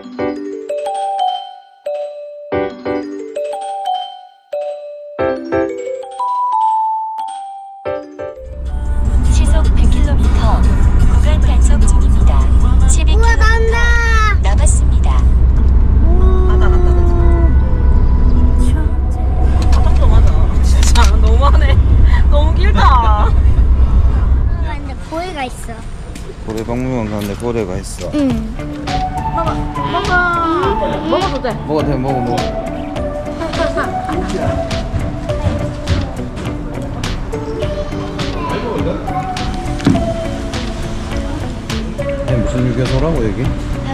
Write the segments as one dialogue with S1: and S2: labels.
S1: 시속 100km 구간 단속 중입니다. 12km 남았습니다.
S2: 맞아. 바닥도 맞아. 진짜 너무하네. 너무 길다.
S3: 근데 고래가 있어.
S4: 고래 박물관 가는데 고래가 있어.
S3: 응.
S2: 먹어도 돼.
S4: 먹어도 돼, 먹어. 무슨 유괴소라고 여기?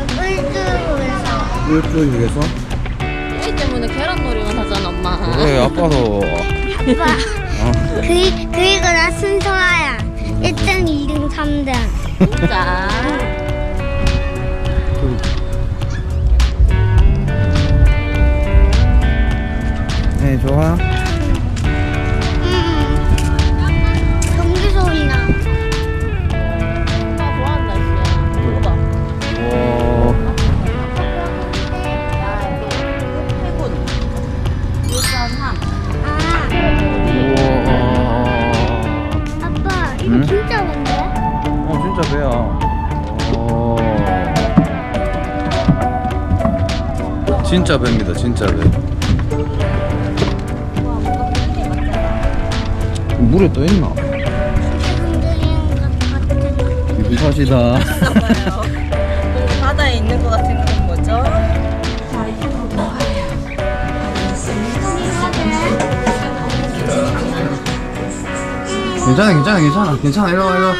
S3: 꿀주에서.
S4: 꿀주 유괴소?
S2: 이 때문에 계란놀이만 하잖아, 엄마.
S4: 그래 아빠도.
S3: 아빠. 그리고 나 순서야. 1등, 2등, 3등.
S2: 진짜.
S4: 네 좋아.
S3: 경기 소리 나.
S2: 엄마 좋아한다, 씨. 먹어봐.
S4: 와.
S2: 해군. 유산함.
S3: 아,
S4: 우와.
S3: 아빠, 이거
S4: 응?
S3: 진짜 뭔데?
S4: 진짜 배야. 진짜 배입니다, 진짜 배. 물에 떠 있나?
S3: 흔들리는 것 같은.
S4: 비슷하시다.
S2: 뭔가 바다에 있는 것 같은 건 뭐죠?
S4: 괜찮아. 이리 와.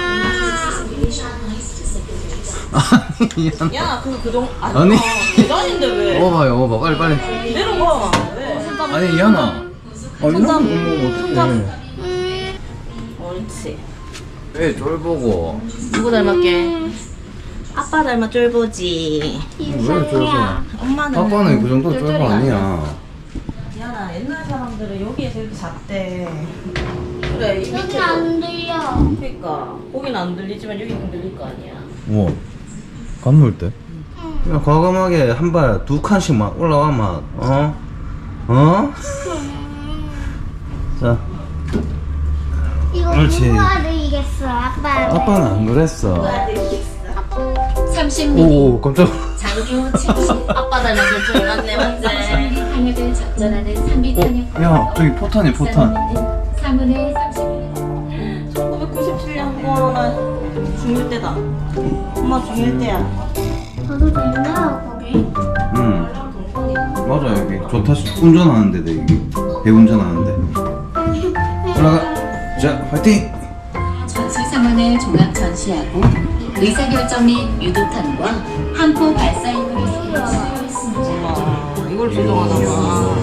S4: 아니,
S2: 야, 그동
S4: 아니.
S2: 계단인데 왜?
S4: 먹어봐, 빨리.
S2: 내려가. 왜?
S4: 아니, 이하나. 이런 거 먹으면 어떡해.
S2: 옳지.
S4: 왜 쫄보고.
S2: 누구 닮았게? 아빠 닮아 쫄보지.
S4: 왜 쫄보?
S2: 엄마는
S4: 아빠는 그 정도 쫄보 아니야.
S2: 미안아, 옛날 사람들은 여기에서 이렇게 잤대. 그래, 이
S3: 여기
S2: 밑에도.
S3: 안 들려.
S2: 그러니까 거기는 안 들리지만 여기는 들릴 거 아니야.
S4: 우와. 간물대? 그냥 과감하게 한 발 두 칸씩 막 올라와만. 어? 자,
S3: 이거
S4: 옳지.
S3: 누가 들리겠어, 아빠.
S4: 아빠는 안 그랬어.
S1: 30mm
S4: 오, 깜짝.
S1: 장교 70
S2: 아빠 닮은 줄 맞네, 맞지?
S1: 항해를 작전하는 상비 탄약
S4: 야, 저기 포탄이 포탄.
S1: 3분의 30mm
S2: 1997년. 와, 나 중1 때다. 엄마 중1 때야.
S3: 저도 된다, 거기.
S4: 응. 맞아, 여기. 좋다. 운전하는 데도 여기. 배운전하는 데. 올라가. 자, 화이팅!
S1: 전술 상황을 종합 전시하고 의사결정 및 유도탄과 함포 발사 임무를 수행했습니다.
S2: 와, 이걸 조종하나 봐.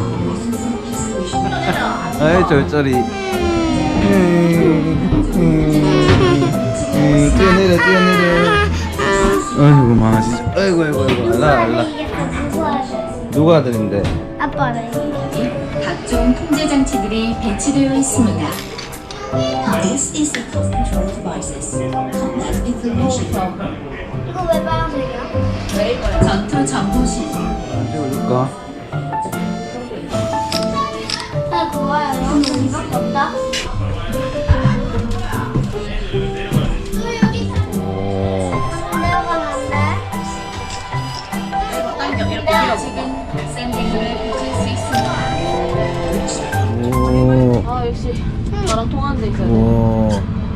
S4: 아이, 쫄쫄이. 뛰어내려. 아이고, 마, 진짜. 아이고. 알라. 누가 아들인데?
S3: 아빠는.
S1: 각종 통제 장치들이 배치되어 있습니다. This is the cost control devices. Combat information program.
S3: 이거 왜 빨간색이야?
S1: 전투 정보실.
S4: 찍어줄까?
S3: 나 그거야. 여기 이밖에 없다.
S4: 오.
S3: 내려가면 안 돼?
S1: 지금 샌딩을 보실 수 있습니다.
S4: 오.
S2: 아, 역시 나랑 통하는 데 있어야 돼.
S4: 오.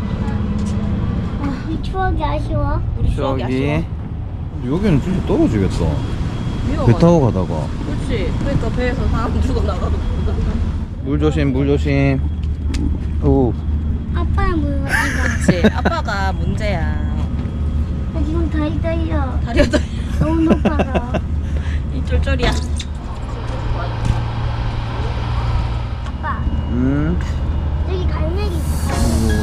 S3: 이 추억이 아쉬워.
S2: 우리 추억이
S4: 저기.
S2: 아쉬워.
S4: 여기는 진짜 떨어지겠다. 배
S2: 위험하네.
S4: 타고 가다가.
S2: 그렇지. 그러니까 배에서 사람 죽어 나가도 모르다.
S4: 물 조심. 오.
S3: 아빠는 물 가지고.
S2: 그렇지. 아빠가 문제야.
S3: 지금 다리 떨려.
S2: 다리가 떨려.
S3: 너무 높아서.
S2: 이 쫄쫄이야.
S3: 아빠,
S4: 음.
S3: 여기 갈매기 있어.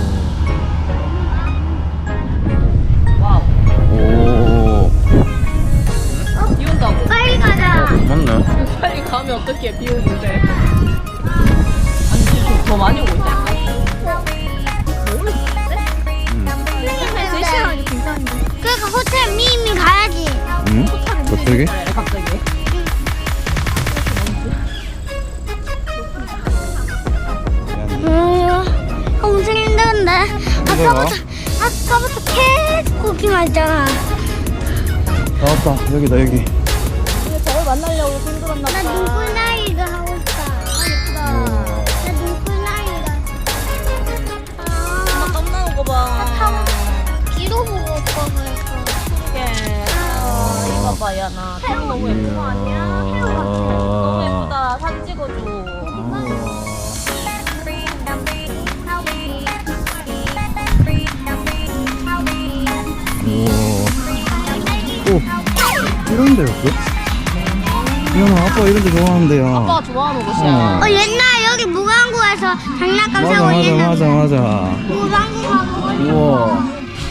S2: 와우.
S4: 오.
S2: 비 온다고.
S3: 빨리 가자.
S4: 맞네.
S2: 빨리 가면 어떡해, 비 오는데. 아니, 지금 더 많이 오고 있다. 너무 있는데? 3시간 괜찮은데.
S3: 그러니까 호텔 미미 가야지.
S4: 응?
S2: 호텔을
S4: 갑자기?
S2: 갑자기.
S3: 엄청 힘든데. 아까부터 계속 오기만 했잖아.
S4: 나왔다. 여기다, 여기.
S2: 저를 만나려고 힘들었나
S3: 나 눈꽃나이가 하고 싶다. 나 눈꽃나이가.
S2: 엄마 땀 나는 거 봐.
S3: 뒤로 보고 오빠 그랬어.
S2: 이게. 이거 봐, 야, 나. 태양 너무 예쁜 거 아니야? 너무 예쁘다. 사진 찍어줘.
S4: 오, 이런 데였어? 이현아, 아빠 이런 데 좋아하는데요.
S2: 아빠가 좋아하는 곳이야.
S3: 옛날 여기 무광구에서 장난감 사고
S4: 맞아,
S3: 있는
S4: 맞아.
S3: 무광구 가고.
S4: 우와.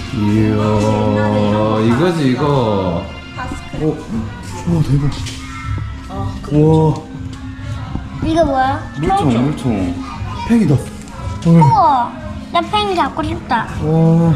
S4: 이야, 이거지, 이거. 오, 우와, 대박. 우와,
S3: 이거 뭐야?
S4: 물총. 팽이다.
S3: 우와, 나 팽이 잡고 싶다.
S4: 와.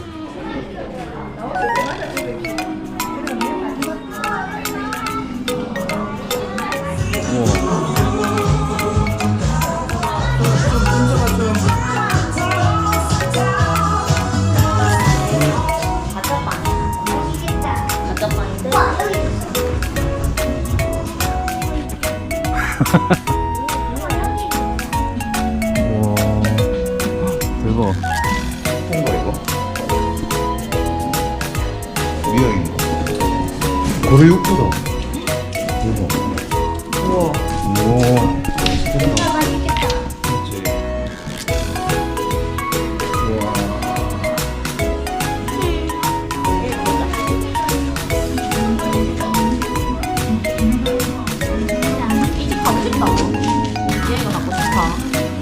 S4: 우와, 대박. 뭔가 이거? 미역인가? 고래 육수다. 대박. 우와. 우와.
S3: 이거 맛있겠다.
S4: 그렇지. 우와.
S2: 이 집 가고 싶다. 얘가 갖고 싶다.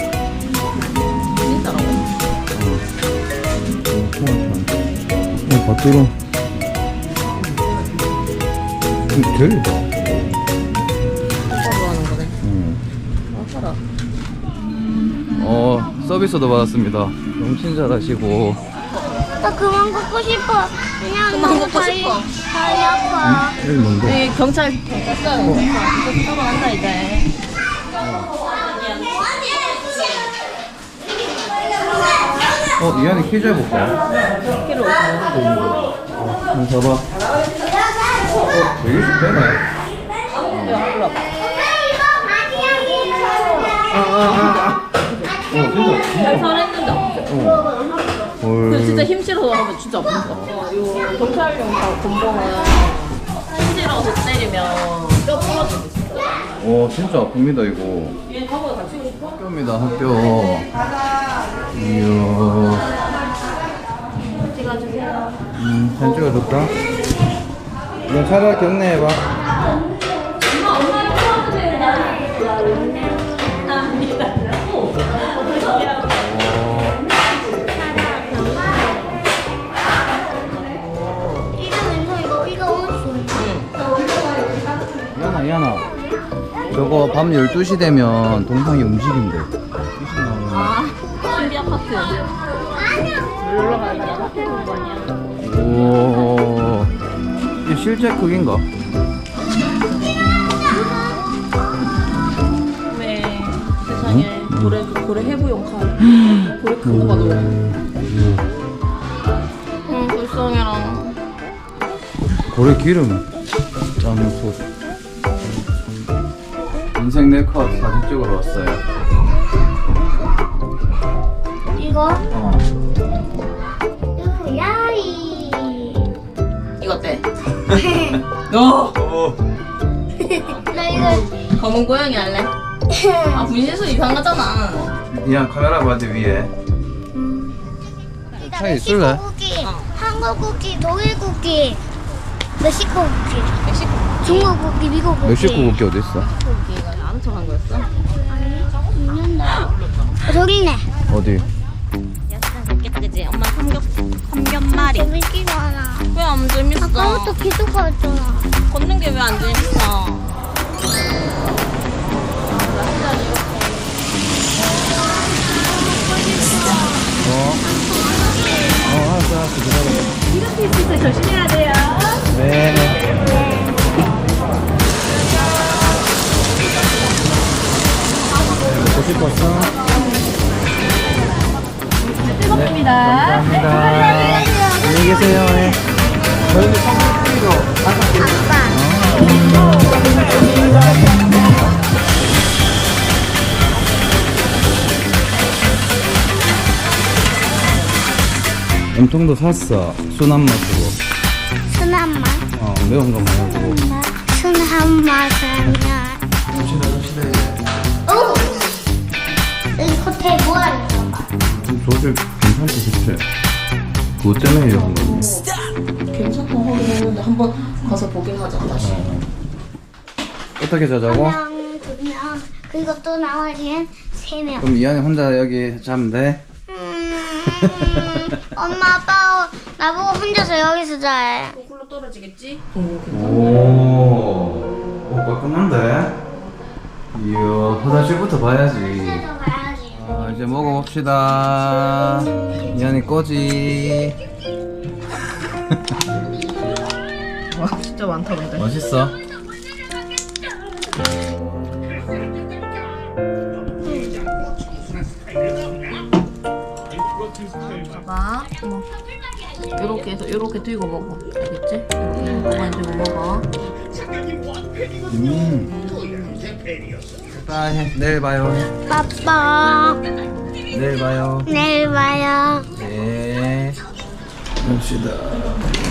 S2: 진짜라고.
S4: 밭두루. 대리다.
S2: 오빠 좋아하는 거네. 사라.
S4: 서비스도 받았습니다. 너무 친절하시고.
S3: 나 그만 걷고 싶어. 그냥
S2: 그만
S3: 너무
S2: 걷고 싶어.
S3: 다리 아파.
S4: 여기 뭔데?
S2: 여기 경찰서 이제 들어간다 이제.
S4: 이한이 퀴즈 해볼까?
S2: 키로 오고.
S4: 한번 봐봐. 되게 쉽대네.
S2: 야, 일로 와봐.
S4: 진짜.
S2: 잘했는데. 근데 진짜 힘 실어서 하면 진짜 아프다. 이 경찰용 곤봉은 힘 실어서 때리면 뼈 부러지고 진짜.
S4: 진짜 아픕니다, 이거.
S2: 얘 가보다 다치고 싶어?
S4: 학교입니다, 학교. 이야.
S2: 찍어주세요.
S4: 사진 찍어줄까? 이거 차라 경례해봐. 이한아. 저거 밤 12시 되면 동상이 움직인대.
S2: 아, 신비 아파트. 놀러 가야 돼. 아파트 있는 거 아니야?
S4: 오, 이 실제 크기인가?
S2: 네, 세상에 고래 해부용 칼. 고래 큰 거 봐, 너. 불쌍해라.
S4: 고래 기름 짜는 솥. 인생 네컷 사진 찍으러 왔어요.
S3: 이거? 이거 야이.
S2: 이거 어때? 너!
S3: 나 이거.
S2: 검은 고양이 할래? 아, 분신술 이상하잖아.
S4: 그냥 카메라 봐도 위에. 차에 있을래?
S3: 멕시코 쿠키, 한국 쿠키, 독일 쿠키, 멕시코 쿠키,
S2: 멕시코
S3: 중국 쿠키, 미국 쿠키.
S4: 멕시코 국기 어디 있어?
S2: 고기가 아는 척한 거였어?
S3: 아니, 있는데. 저기 있네.
S4: 어디?
S2: 야, 진짜 재밌겠다, 그치? 엄마 삼겹말이.
S3: 재밌지도 않아.
S2: 왜 안 재밌어?
S3: 아까부터 계속 갔잖아.
S2: 걷는 게 왜 안 재밌어?
S4: 알았어, 기다려.
S2: 이렇게 진짜 조심해야 돼요.
S4: 네. 감사합니다. 안녕히 계세요. 네. 저희는 선물로
S3: 아빠.
S4: 염통도 샀어. 순한 맛으로.
S3: 순한 맛.
S4: 매운 거 말고.
S3: 순한 맛은 오! 여기 호텔 뭐 하는 거야?
S4: 조질 괜찮지, 그치? 그것 때문에 이런 거.
S2: 괜찮다 하긴 했는데 한번 가서 보긴 하자 다시.
S4: 어떻게 자자고?
S3: 한 명, 두 명, 그리고 또 나머지는 세 명.
S4: 그럼 이한이 혼자 여기 자면 돼?
S3: 엄마, 아빠 나보고 혼자서 여기서 자해.
S2: 굴러 떨어지겠지?
S4: 오, 깔끔한데? 이야, 화장실부터 봐야지.
S3: 혼자서 가야지.
S4: 이제 먹어봅시다. 이한이 꼬지.
S2: 와 진짜 많다 근데.
S4: 맛있어?
S2: 봐봐. 요렇게 해서 요렇게 들고 먹어. 알겠지? 이렇게 들고 먹어.
S4: 빠이. 내일 봐요.
S3: 아빠,
S4: 내일 봐요.
S3: 내일 봐요.
S4: 네. 갑시다.